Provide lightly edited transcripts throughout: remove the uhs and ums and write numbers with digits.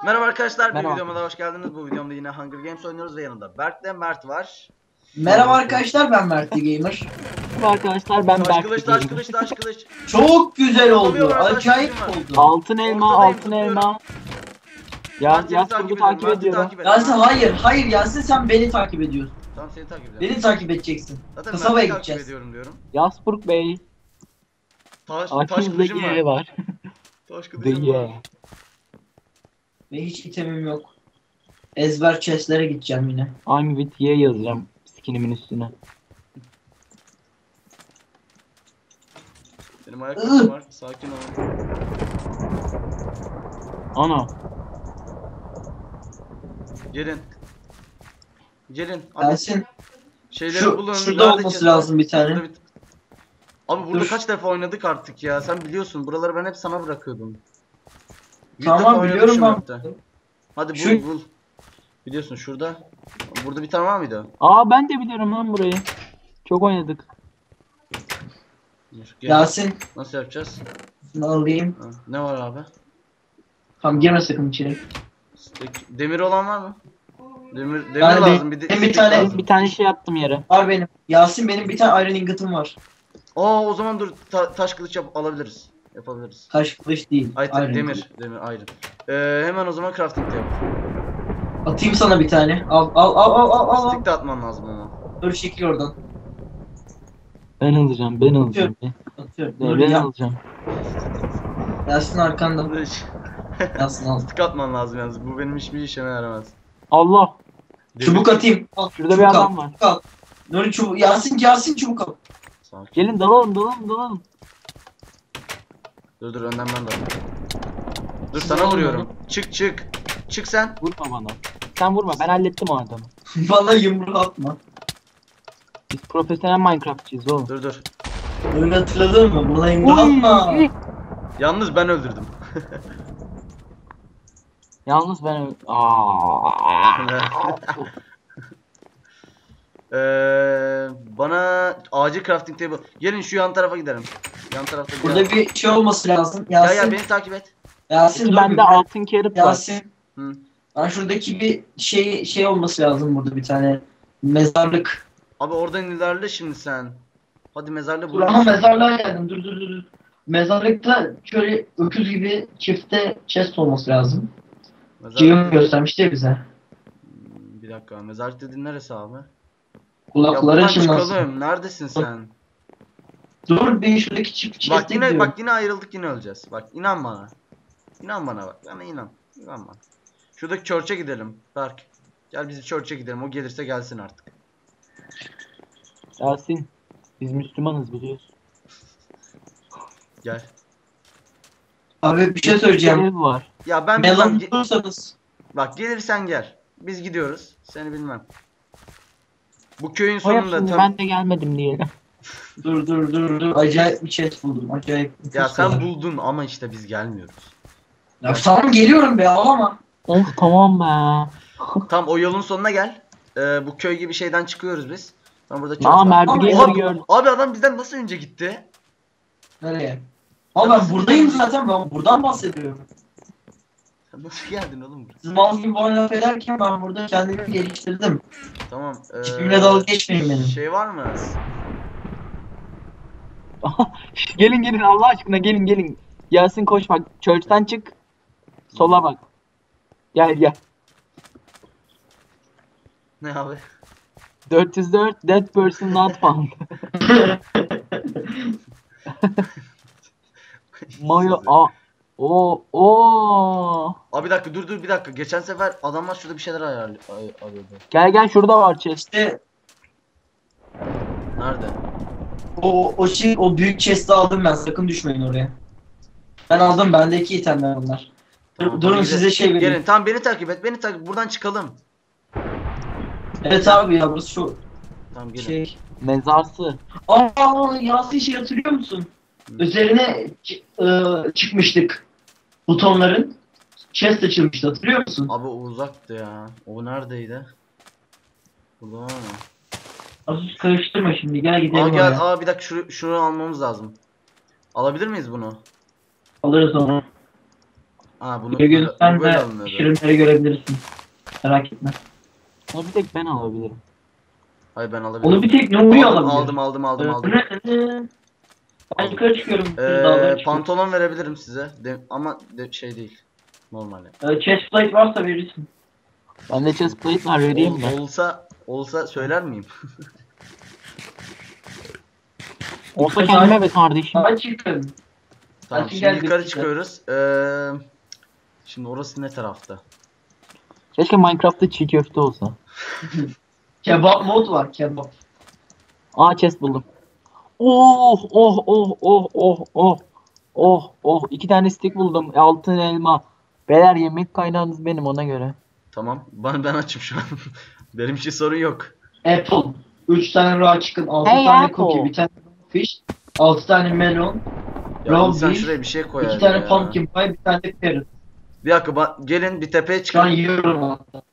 Merhaba arkadaşlar, bir Merhaba. videoma da hoş geldiniz. Bu videomda yine Hunger Games oynuyoruz ve yanında Berk Mert var. Merhaba arkadaşlar, ben Mert Gamer. Merhaba arkadaşlar, ben Taş Berk kılıç, taş kılıç, taş kılıç. Çok güzel oldu. Atamıyorum, taş Acayip kılıcım var. oldu. Altın elma, Ortadayım, altın zıplıyorum. elma. Mert Yaz seni kurgu takip takip ediyorum, ediyorum. Mert'i Yasin hayır Yasin, sen beni takip ediyorsun. Tamam, seni takip ediyorum. Beni takip edeceksin. Zaten Kasabaya Mert'i takip gideceğiz. ediyorum diyorum. Yasburg Bey. Taş Aklınızda kılıcım Y var. var. Taş The kılıcım var. Y. Ve hiç itemim yok. Ezber chestlere gideceğim yine. I'm with Y yazacağım skinimin üstüne. Benim ayakkabım var, sakin ol. Ana. Gelin. Gelin. Hadi. Yasin, Şeyleri bulun. şurada nerede olması chest? lazım bir tane. Burada Abi burada Dur. kaç defa oynadık artık ya. Sen biliyorsun. Buraları ben hep sana bırakıyordum. Yüz Tamam, defa oynadık biliyorum şu ben. map'te. Hadi bul Şu- bul. Biliyorsun şurada. Burada bir tane var mıydı? Aa, ben de biliyorum lan burayı. Çok oynadık. Dur, gel. Yasin, Nasıl yapacağız? şunu alayım. Ha, ne var abi? Tamam, girme sakın içeri. Demir olan var mı? Demir Ben de- lazım. Bir de benim bir stick tane- lazım. Bir tane şey yaptım yere. Var benim. Yasin, benim bir tane iron ingot'um var. O zaman dur taş kılıç alabiliriz. Yapabiliriz. Taş kılıç değil. Ay iron demir, ingot. demir ayrı. Hemen o zaman crafting de yap. Atayım sana bir tane. Al. Stick de atman lazım ama. Dur, çekil oradan. Ben alacağım, ben alacağım. Atıyorum. Dur Ben ya. alacağım. Yasin arkanda. Yasin al. Stick atman lazım yalnız. Bu benim hiçbir işime yaramaz. Allah. Çubuk atayım. Al, Şurada çubuk bir adam al, var. çubuk al. Nuri çubuk. Yasin çubuk al. Sakin. Gelin dalalım. Dur önden ben de. Dur Siz sana alın vuruyorum. Çık. Çık sen. Vurma bana. Sen vurma, ben hallettim o adamı. Bana yumruğu atma. Biz profesyonel Minecraftçıyız oğlum. Dur. Nuri, hatırladın mı? Bana yumruğu atma. Yalnız ben öldürdüm. Yalnız ben Bana acil crafting table. Gelin şu yan tarafa gidelim. Yan tarafta bir Burada yer. bir şey olması lazım. Ya Yasin. beni takip et. Yasin dur bir bende bırak. altın kerip var. Yasin. Hı. Ben şuradaki bir şey olması lazım burada, bir tane mezarlık. Abi oradan ilerle şimdi sen. Hadi mezarda Dur bul. ama mezarlığa geldim. Dur. Mezarlıkta şöyle öküz gibi çifte chest olması lazım. Cihim göstermişti ya bize. Bir dakika. Mezarlık dediğin neresi abi? Ya Kulakları buradan çınlasın. çıkalım. Neredesin sen? Dur, bir şuradaki çift Bak chest'e yine gidiyorum. bak yine ayrıldık, yine öleceğiz. Bak inan bana. İnan bana bak. Bana inan. İnan bana. Şuradaki church'e gidelim. Berk. Gel biz church'e gidelim. O gelirse gelsin artık. Yasin. Biz Müslümanız biliyorsun. Gel. Abi bir şey söyleyeceğim. Ev var. Ya ben Melon bilmem. bulursanız. Bak gelirsen gel. Biz gidiyoruz. Seni bilmem. Bu köyün O yap sonunda şimdi, tam... ben de gelmedim diye. Dur. Acayip bir chest buldum. Acayip. Ya nefis sen var. buldun ama işte biz gelmiyoruz. Ya tamam, geliyorum be, ağlama. Of tamam be. Tam o yolun sonuna gel. Bu köy gibi şeyden çıkıyoruz biz. Ben burada Aa, var. Mert'i Oha, gördüm. abi adam bizden nasıl önce gitti? Nereye? Ama ben buradayım zaten, ben buradan bahsediyorum. Sen nasıl geldin oğlum buraya? Siz mal gibi bana laf ederken ben burada kendimi geliştirdim. Tamam. Tipimle dalga geçmeyin benim. Şey var mı? Gelin Allah aşkına gelin. Yasin koş bak. Church'ten çık. Sola bak. Gel. Ne abi? 404 dead person not found. Mayo o. Abi bir dakika dur bir dakika. Geçen sefer adamlar şurada bir şeyler arıyordu. Gel şurada var chest. İşte Nerede? o büyük chest'i aldım ben, sakın düşmeyin oraya. Ben aldım, bendeki itemler onlar. Tamam, Durun, hadi size şey vereyim. Gelin tamam, beni takip et. Beni takip. Buradan çıkalım. Evet abi ya, burası şu Tamam gelin. şey. Mezarsı. Yasin, şey hatırlıyor musun? Hı. Üzerine çıkmıştık butonların. Chest açılmıştı, hatırlıyor musun? Abi o uzaktı ya. O neredeydi? Burada var mı? Asus karıştırma şimdi, gel gidelim Aa gel. oraya. Aa bir dakika şunu almamız lazım. Alabilir miyiz bunu? Alırız onu. bunu Bir sen böyle de alınıyordu. şirinleri görebilirsin. Merak etme. Onu bir tek ben alabilirim. Hayır ben alabilirim. Onu bir tek Nuri aldım, alabilir. aldım. Ben yukarı çıkıyorum. Pantolon verebilirim size. Ama şey değil. Normal yani. Chestplate varsa verirsin. Bende chestplate var, vereyim mi? Olsa söyler miyim? Olsa kendime be kardeşim. Ben çıktım. Tamam Hadi şimdi gel yukarı birlikte. çıkıyoruz. Şimdi orası ne tarafta? Keşke Minecraft'ta çiğ köfte olsa. Kebap mod var kebap. Aa, chest buldum. Oh oh oh oh oh oh. Oh oh, 2 tane stick buldum. Altın elma. Beyler, yemek kaynağınız benim, ona göre. Tamam. Ben açım şu an. Benim için sorun yok. Apple. 3 tane raw chicken, 6 Hey, tane Apple. cookie, bir tane fish, 6 tane melon, Ya Raw insan beef, şuraya bir şey koyar 2 tane ya. pumpkin pie, bir tane de carrot. Bir dakika gelin bir tepeye Şu an çıkın. yiyorum hatta.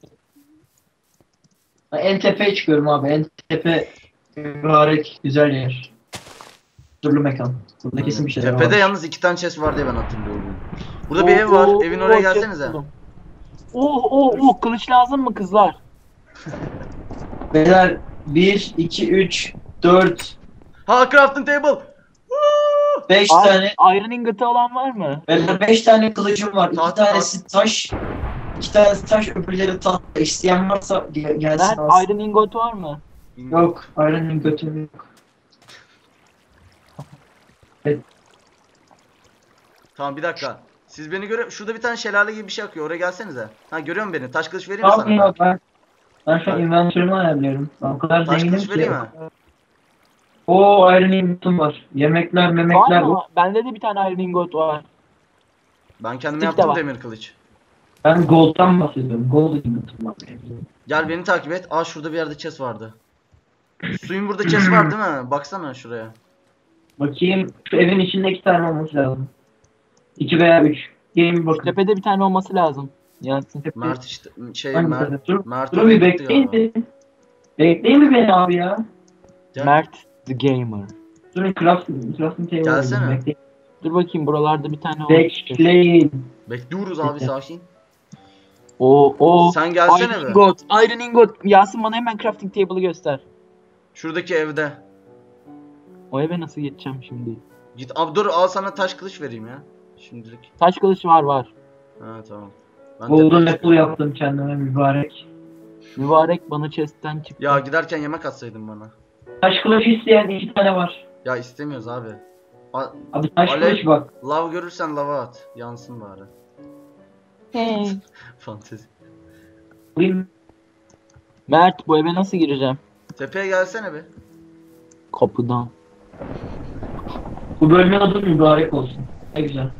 En tepeye çıkıyorum abi. En tepe mübarek güzel yer. Turlu mekan. Burada kesin bir şeyler Tepede var. yalnız 2 tane chest var diye ben hatırlıyorum. Burada bir ev var. Evin oraya chest gelsenize. buldum. Oh oh oh, kılıç lazım mı kızlar? Beyler 1, 2, 3, 4, Ha crafting table. Woo! 5 tane. Iron ingot'ı olan var mı? Beyler 5 tane kılıcım var. 2 Tahta, tanesi taş. 2 tanesi taş, öbürleri tahta. İsteyen varsa gelsin Ben alsın. Iron ingot var mı? Yok, Iron'ın götü yok. Tamam bir dakika. Siz beni şurada bir tane şelale gibi bir şey akıyor. Oraya gelsenize. Ha görüyor musun beni? Taş kılıç vereyim mi Tamam sana? ya, ben şu an inventörümü ayarlıyorum. Ben o kadar Taş zenginim kılıç ki. vereyim mi? Oo, Iron ingotum var. Yemekler, Var memekler. mı? Bende de bir tane Iron ingot var. Ben kendim Stick de yaptım var. demir kılıç. Ben gold'dan bahsediyorum. Gold ingotum var. Gel beni takip et. Aa şurada bir yerde chest vardı. Suyun burada chest var değil mi? Baksana şuraya. Bakayım, şu evin içinde 2 tane olması lazım. 2 veya 3. Gelin bir bakın. Tepede bir tane olması lazım. Yansın. Mert işte Hangi Mert tane? Dur, Mert dur oraya bir gitti bekleyin galiba. beni. Bekleyin mi beni abi ya? Gel. Mert the Gamer. Durun crafting table Gelsene. alayım, bekleyin. Dur bakayım, buralarda bir tane olmuş. Bekleyin. Bekliyoruz abi sakin. O Sen gelsene Iron be. ingot. Iron ingot. Yasin, bana hemen crafting table'ı göster. Şuradaki evde. O eve nasıl geçeceğim şimdi? Git abi dur al sana taş kılıç vereyim ya. Şimdilik. Taş kılıç var. Ha tamam. Ben Golden tepeye apple çıkıyorum. yaptım kendime mübarek. Mübarek bana chest'ten çıktı. Ya giderken yemek atsaydın bana. Taş kılıç isteyen 2 tane var. Ya istemiyoruz abi. Abi taş Alev- kılıç bak. Lav görürsen lava at. Yansın bari. Hey. Fantezi. Alayım. Mert, bu eve nasıl gireceğim? Tepeye gelsene be. Kapıdan. Bu bölümün adı mübarek olsun. Ne güzel.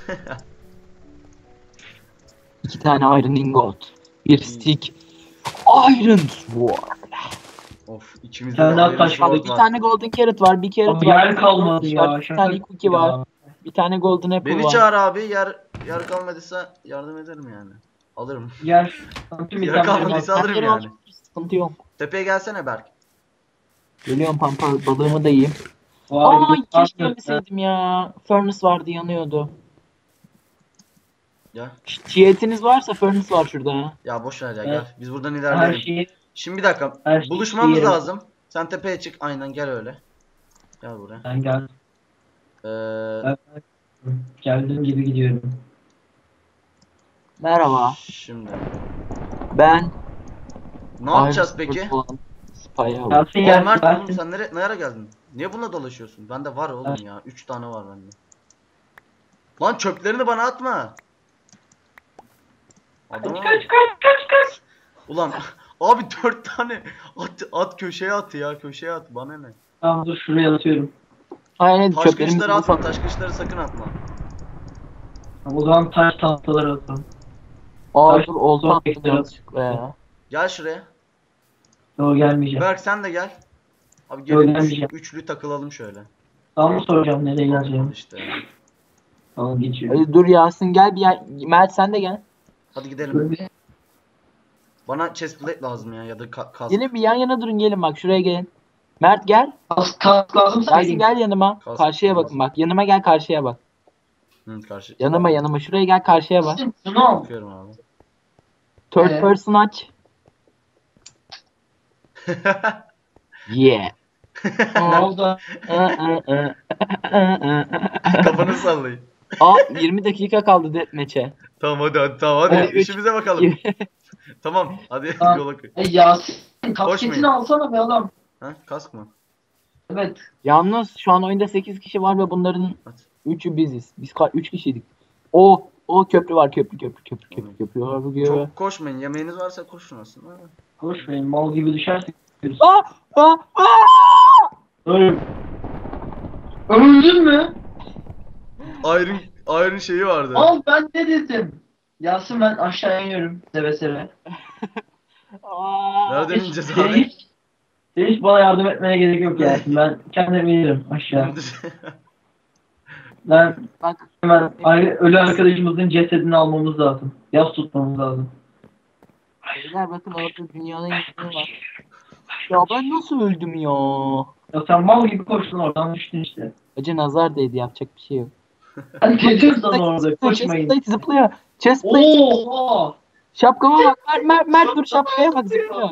2 tane Iron ingot. Bir stick. Iron sword. Of içimizde Sen de daha Iron taş Sword 2 var. tane golden carrot var. Bir carrot Abi var. yer kalmadı ya. Bir tane cookie var. Bir tane golden apple Beni var. çağır abi. Yer kalmadıysa yardım ederim yani. Alırım. Yer. Yer kalmadıysa alırım Bende yani. sıkıntı yok. Tepeye gelsene Berk. Geliyorum pampa, balığımı da yiyeyim. Vay, Aa, keşke güzel. ölmeseydim ya. Furnace vardı, yanıyordu. Ya. Tiyetiniz varsa furnace var şurada ha. Ya boş ver ya Evet. gel. Biz buradan Her ilerleyelim. şeyi Şimdi bir dakika. her şeyi Buluşmamız yerim. lazım. Sen tepeye çık. Aynen gel öyle. Gel buraya. Ben geldim. Ee, Geldiğim gibi gidiyorum. Merhaba. şimdi. Ben Ne yapacağız Iron peki? Sword olan Spy Hour. Gelsin Aa gelsin. Mert oğlum gelsin. sen nereye geldin? Niye bununla dolaşıyorsun? Bende var oğlum Evet. ya. 3 tane var bende. Lan çöplerini bana atma. Adama bak. Kaç. Ulan abi 4 tane at köşeye at ya. Köşeye at bana ne? Tamam dur şuraya atıyorum. Aynen, Taş çöplerimizi kılıçları atma. ufak. Taş kılıçları sakın atma. O zaman taş tahtaları atalım. Aa taş- dur, olta taş- attım yanlışlıkla ya. Gel şuraya. Yok gelmeyeceğim. Berk sen de gel. Abi Yok, gelin gelmeyeceğim. üçlü takılalım şöyle. Tamam mı soracağım nereye Al geleceğim? işte. Tamam geçiyorum. Hadi dur Yasin, gel bir yer. Mert sen de gel. Hadi gidelim. Bana chestplate lazım ya da kaz. Gelin bir yan yana durun, gelin bak şuraya gelin. Mert gel. Kask lazım Yasin vereyim. gel yanıma. Kalsın, Karşıya kalsın. bakın bak. Yanıma gel, karşıya bak. Hı, karşı. Yanıma şuraya gel, karşıya bak. Şunu al. Bakıyorum abi. Third Evet. person aç. Yeah. Ne oldu? Kafanızı sallayın. 20 dakika kaldı deathmatch'e. Tamam hadi tamam hadi. Evet. İşimize bakalım. Tamam hadi Ha. yola koy. Yasin Koşmayın. kasketini alsana be adam. Ha kask mı? Evet. Yalnız şu an oyunda 8 kişi var ve bunların At. 3'ü biziz. Biz 3 kişiydik. O köprü var, köprü var. Çok koşmayın. Yemeğiniz varsa koşun aslında. Koş be mal gibi düşersin. Aa! Aa! Aa! Öl. Öldün mü? Iron şeyi vardı. Al ben ne dedim? Yasin ben aşağı iniyorum seve seve. Aa! Nereden Hiç, ineceğiz senin abi? hiç bana yardım etmene gerek yok Yasin. Ben kendim inirim aşağı. Ben Bak, hemen ölü arkadaşımızın cesedini almamız lazım. Yas tutmamız lazım. beyler bakın orada dünyanın yıkımı var. Ya ben nasıl öldüm ya? Ya sen mal gibi koştun oradan düştün işte. Acı nazar değdi, yapacak bir şey yok. Ben dedim sana orada koşmayın. Chestplate zıplıyor. Chestplate. Oha! Şapkama bak. Mert dur, şapkaya bak, zıplıyor.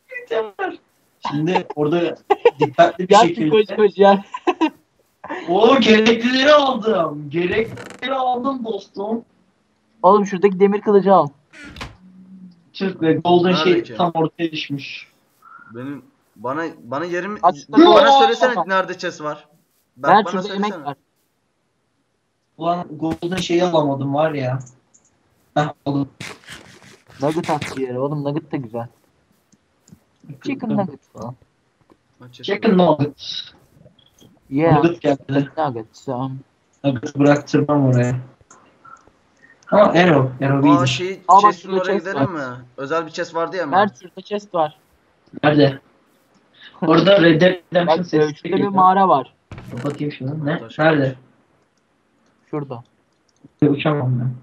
Şimdi orada dikkatli bir Yasin koş şekilde. koş ya. O gereklileri aldım. Gereklileri aldım dostum. Oğlum şuradaki demir kılıcı al. Türk ve Golden Nerede şey ki? tam ortaya düşmüş. Benim bana yerim Açtı. bana söylesene nerede chest var. Mert Bana şurada yemek söylesene. var. Ulan Golden şeyi alamadım var ya. Heh aldım. Nugget attı yere. Oğlum nugget da güzel. Chicken nugget falan. Ha, chest Chicken nugget. Yeah. Nugget geldi. Nugget. Nugget bıraktırmam oraya. Ama Arrow Aa iyidir. şey Aa, bak chest'in şurada oraya chest gidelim mi? Özel bir chest vardı ya Mert şurada chest var. Nerede? Orada Red Dead Redemption Bak sesi şurada bir geliyor. mağara var. Bakayım şunu. Ne? Taş Nerede? kılıç. Şurada. Uçamam ben.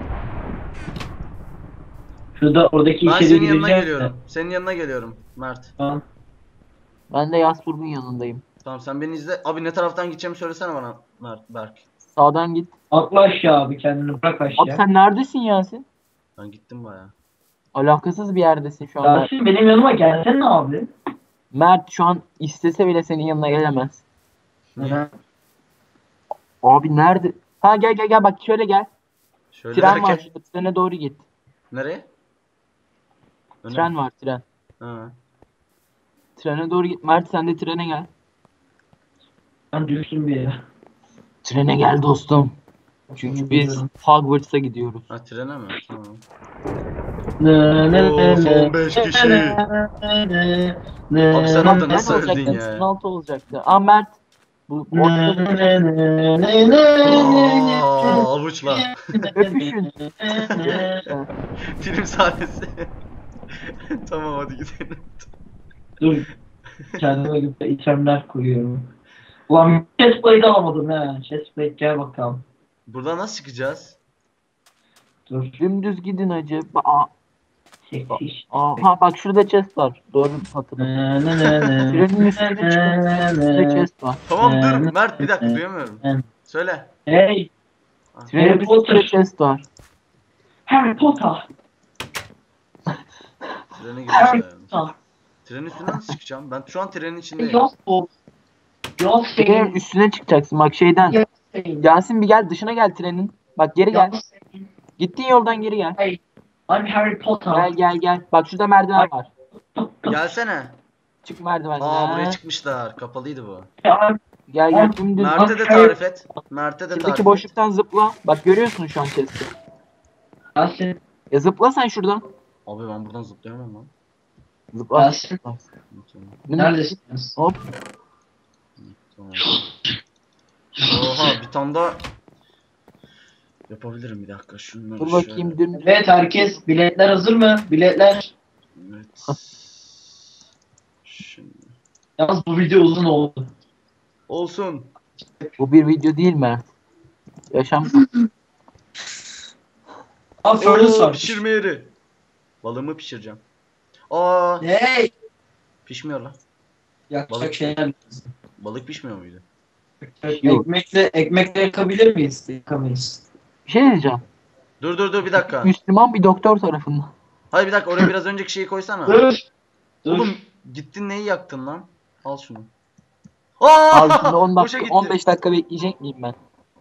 Şurada oradaki Ben içeri senin yanına gireceğim. geliyorum. Senin yanına geliyorum Mert. Tamam. Ben de Yasburg'un yanındayım. Tamam sen beni izle. Abi ne taraftan gideceğimi söylesene bana Berk. Sağdan git. Atla aşağı abi kendini bırak aşağı. Abi sen neredesin Yasin? Ben gittim baya. Alakasız bir yerdesin şu anda. Yasin benim yanıma gelsene abi. Mert şu an istese bile senin yanına gelemez. Neden? Abi nerede? Ha gel bak şöyle gel. Şöyle Tren var derken. şurada. Trene doğru git. Nereye? Öne Tren mi? var, tren. Ha. Trene doğru git. Mert sen de trene gel. Ben düştüm bir yere. Trene gel dostum. Çünkü biz Hogwarts'a gidiyoruz. Ha trene mi? Tamam. Ne Oo, son 5 kişi. Abi sen orada nasıl Nerede öldün olacaktı? ya? Sınır altı olacaktı. Aa Mert. Bu ortada Aa, avuçla. öpüşün. Film sahnesi. Tamam hadi gidelim. Dur. Kendime göre itemler koyuyorum. Ulan chestplate alamadım ha. Chestplate gel bakalım. Buradan nasıl çıkacağız? Dur. Dümdüz gidin hacı. Çekmiş. Ha bak şurada chest var. Doğru hatırladım. Trenin üstüne çıkın. Şurada chest var. Tamam dur Mert bir dakika duyamıyorum. Söyle. Hey. Trenin Harry Potter. üstünde chest var. Harry Potter. Trene Harry girmişler. Potter. Trenin üstünden nasıl çıkacağım? Ben şu an trenin içindeyim. Yok bu. Yok Trenin senin. üstüne çıkacaksın bak şeyden. Yok senin. Yasin bir gel, dışına gel trenin. Bak geri gel. Yok senin. Gittiğin yoldan geri gel. Hey. I'm Harry Potter. Gel. Bak şurada merdiven var. Gelsene. Çık merdivenden. Aa buraya çıkmışlar. Kapalıydı bu. Gel dümdüz. Mert'e de tarif et. Mert'e de tarif Şuradaki et. boşluktan zıpla. Bak görüyorsun şu an chest'i. Yasin. Ya zıpla sen şuradan. Abi ben buradan zıplayamam lan. Zıpla. Yasin. Tamam. Neredesiniz? Hop. Tamam. Oha bir tane daha yapabilirim bir dakika. Şunları Dur şöyle. bakayım dümdüz. Evet herkes biletler hazır mı? Biletler. Evet. Şimdi. Yalnız bu video uzun oldu. Olsun. Bu bir video değil Mert. Yaşam. Abi furnace var. Pişirme yeri. Balığımı pişireceğim. Aa Hey. pişmiyor lan. Yakacak Balık. şeyler. Balık pişmiyor muydu? Yok. Ekmekle yakabilir miyiz? Yakamayız. Bir şey diyeceğim. Dur bir dakika. Müslüman bir doktor tarafından. Hayır bir dakika, oraya biraz önceki şeyi koysana. Dur. Dur. Oğlum gittin neyi yaktın lan? Al şunu. Abi şimdi 10 Boşa dakika, gitti. 15 dakika bekleyecek miyim ben?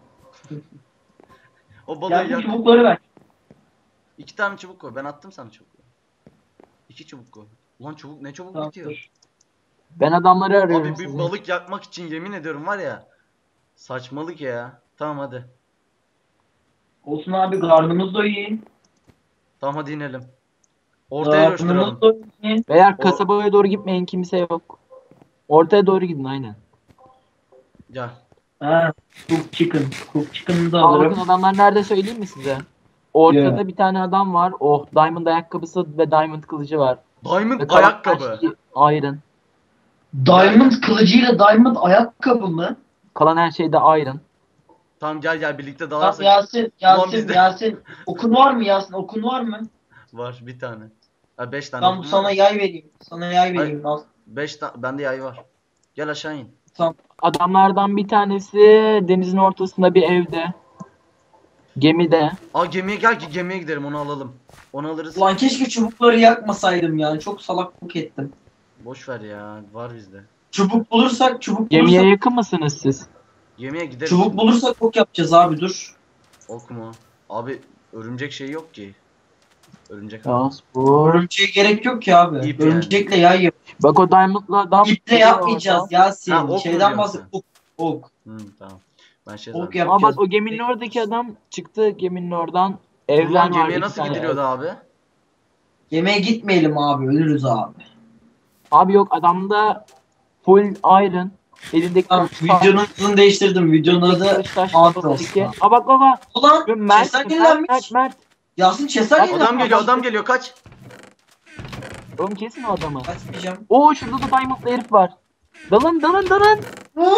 O balığı Gel bu yak. çubukları ver. 2 tane çubuk koy. Ben attım sana çubuk. 2 çubuk koy. Ulan çubuk ne çabuk Tamam, bitiyor. dur. Ben adamları arıyorum Abi bir sizi. balık yakmak için yemin ediyorum var ya. Saçmalık ya. Tamam hadi. Olsun abi, karnımız doyuyor. Tamam hadi inelim. Ortaya coşturalım. Karnımız doyuyor. Beyler kasabaya doğru gitmeyin, kimse yok. Ortaya doğru gidin aynen. Gel. Ha, cook chicken. Cook chicken'ı da Aa, bakın alırım. adamlar nerede söyleyeyim mi size? Ortada Yeah. bir tane adam var. Oh, diamond ayakkabısı ve diamond kılıcı var. Diamond Ve kalan her ayakkabı. şey iron. Diamond kılıcıyla diamond ayakkabı mı? Kalan her şey de iron. Tamam gel birlikte Tamam, dalarsak. Yasin, Ulan bizde- Yasin. Okun var mı Yasin? Okun var mı? Var bir tane. Ha 5 tane. Tamam, sana yay vereyim. Sana yay vereyim. Al. 5 tane. Bende yay var. Gel aşağı in. Adamlardan bir tanesi denizin ortasında bir evde. Gemide. Aa gemiye gel ki gemiye gidelim onu alalım. Onu alırız. Ulan keşke çubukları yakmasaydım ya. Çok salaklık ettim. Boş ver ya. Var bizde. Çubuk bulursak Gemiye yakın mısınız siz? Gemiye gideriz. çubuk bulursak ok yapacağız abi, dur. Ok mu? Abi örümcek şey yok ki. Örümcek. Transport. Örümceğe gerek yok ki abi. İp yani. Örümcekle yay yap. Bak o diamond'la adam. İple yapmayacağız Yasin. Ha, ok mu Şeyden diyorsun bahset. Ok. Ok. Tamam. Ben şey Ok zannettim. yapacağız. Aa bak o geminin oradaki adam çıktı geminin oradan. Evler Ulan var. gemiye iki nasıl tane gidiliyordu ev. abi? Yemeğe gitmeyelim abi. Ölürüz abi. Abi yok adamda full iron. Elindeki Tamam, videonun adını değiştirdim. Videonun adı Atlas. Aa bak baba. Ulan Mert, chest'ler Mert, yenilenmiş. Mert. Yasin chest'ler Adam yenilenmiş. Adam geliyor kaç. Oğlum kesin o adamı. Açmayacağım. Oo şurada da diamondlı herif var. Dalın. Oo,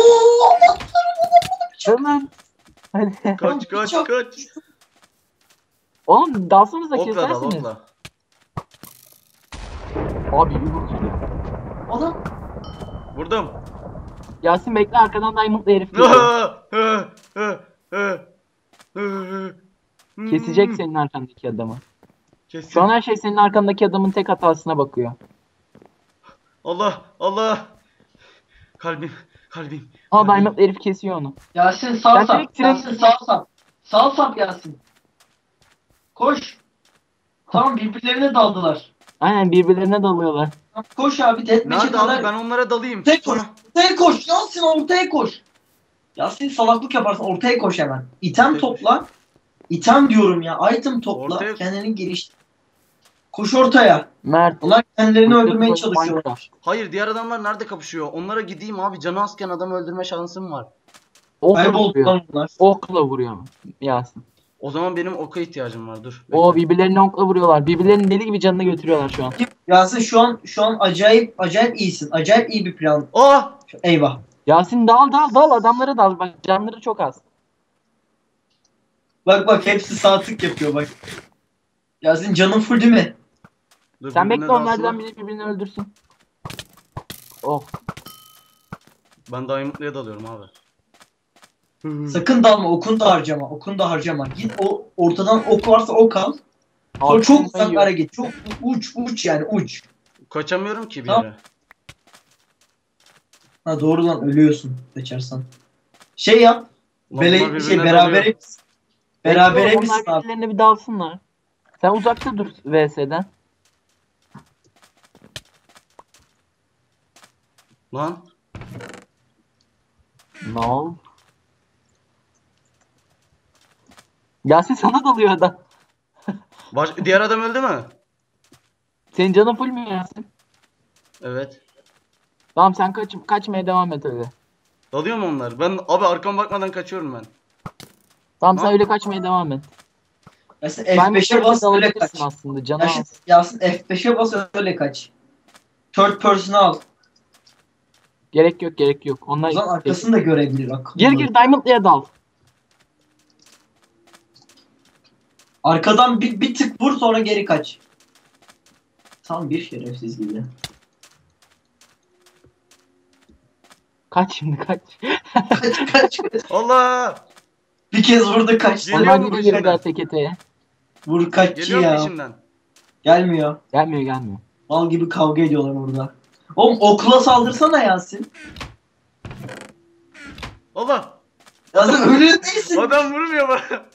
Dalın. Hadi. Kaç. Oğlum dalsanıza Okla dal kesersiniz. okla. Abi yürü. Adam. Vurdum. Yasin bekle arkadan diamondlı herif geliyor. Kesecek senin arkandaki adamı. Kesin. Şu an her şey senin arkandaki adamın tek hatasına bakıyor. Allah. Kalbim. Aa diamondlı herif kesiyor onu. Yasin sağ Ben sap. direkt- Yasin sağ sap. Sağ sap Yasin. Koş. Tamam, birbirlerine daldılar. Aynen birbirlerine dalıyorlar. Koş abi, deathmatch'e Nerede abi kadar. ben onlara dalayım. Tek Sonra- koş. Ortaya koş. Yasin ortaya koş. Yasin salaklık yaparsın. Ortaya koş hemen. İtem Ortaya topla. İtem diyorum ya. Item topla. Ortaya- Kendini geliştir. Koş ortaya. Mert. Onlar kendilerini öldürmeye Minecraft. çalışıyorlar. Hayır diğer adamlar nerede kapışıyor? Onlara gideyim abi. Canı azken adamı öldürme şansım var. Okla vuruyor. Kayboldular bunlar. Okla vuruyor Yasin. O zaman benim oka ihtiyacım var. Dur. O bekle. birbirlerine okla vuruyorlar. Birbirlerinin deli gibi canını götürüyorlar şu an. Yasin şu an acayip iyisin. Acayip iyi bir plan. Aa! Eyvah. Yasin dal adamlara dal. Bak canları çok az. Bak hepsi sağ tık yapıyor bak. Yasin canın full değil mi? Dur, Sen birbirine bekle onlardan dalsın. biri birbirini öldürsün. Oh. Ben Diamond'lıya dalıyorum abi. Sakın dalma, okunu da harcama. Okunu da harcama. Git o ortadan ok varsa ok al. Sonra Abi, çok ben uzaklara git. Çok uç yani uç. Kaçamıyorum ki bir Tamam. yere. Ha doğru lan, ölüyorsun kaçarsan. Şey yap. Lan bunlar birbirine Berabere dalıyor. berabere Bekle, misin onlar abi? birbirlerine bir dalsınlar. Sen uzakta dur VS'den. Lan. No. Yasin sana dalıyor adam. Diğer adam öldü mü? Senin canın full mü Yasin? Evet. Tamam sen kaçmaya devam et öyle. Dalıyor mu onlar? Ben abi arkama bakmadan kaçıyorum ben. Tamam Lan. sen öyle kaçmaya devam et. Yasin Sen F5'e bas öyle kaç. dalabilirsin aslında canı Yasin, az. Yasin F5'e bas öyle kaç. Third person'ı al. Gerek yok. O Onlar zaman arkasını da görebilir. Akıllı. Gir Diamond'lıya dal. Arkadan bir tık vur, sonra geri kaç. Tam bir şerefsiz gibi. Kaç şimdi kaç. Kaç. Allah! Bir kez vurdu kaç. Geliyor Orman mu gidiyor peşinden? biraz teketeye. Vur kaççı Geliyor mu ya. peşimden? Gelmiyor. Gelmiyor. Mal gibi kavga ediyorlar orada. Oğlum okula saldırsana Yasin. Allah! Yasin ölü değilsin. Adam vurmuyor bana.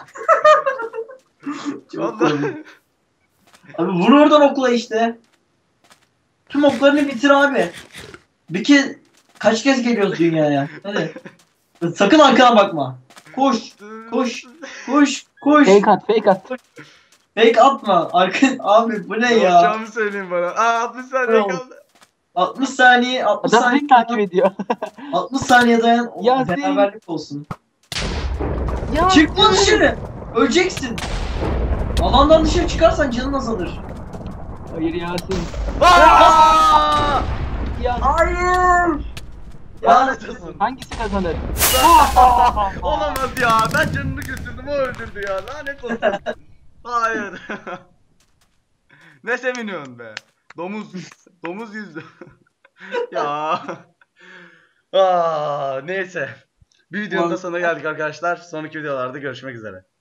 Çok Allah! komik. Abi vur oradan okula işte. Tüm oklarını bitir abi. Bir kez kaç kez geliyoruz dünyaya? Hadi. Sakın arkana bakma. Koş. Koş. Koş. Fake at. Fake atma. Abi bu ne Ne ya? yapacağımı söyleyin bana. 60 saniye Tamam. kaldı. 60 saniye. 60 Adam saniye. beni takip ediyor. 60 saniye dayan. O Yasin. beraberlik olsun. Ya. Çıkma dışarı. Öleceksin. Alandan dışarı çıkarsan canın azalır. Hayır Yasin. Aa! Ya. Hayır. Lanet olsun. Hangisi kazanır? Olamaz ya. Ben canını götürdüm, o öldürdü ya. Lanet olsun. Hayır. Ne seviniyorsun be? Domuz yüzdü. Ya. Neyse. Bir videonun da sonuna geldik arkadaşlar. Sonraki videolarda görüşmek üzere.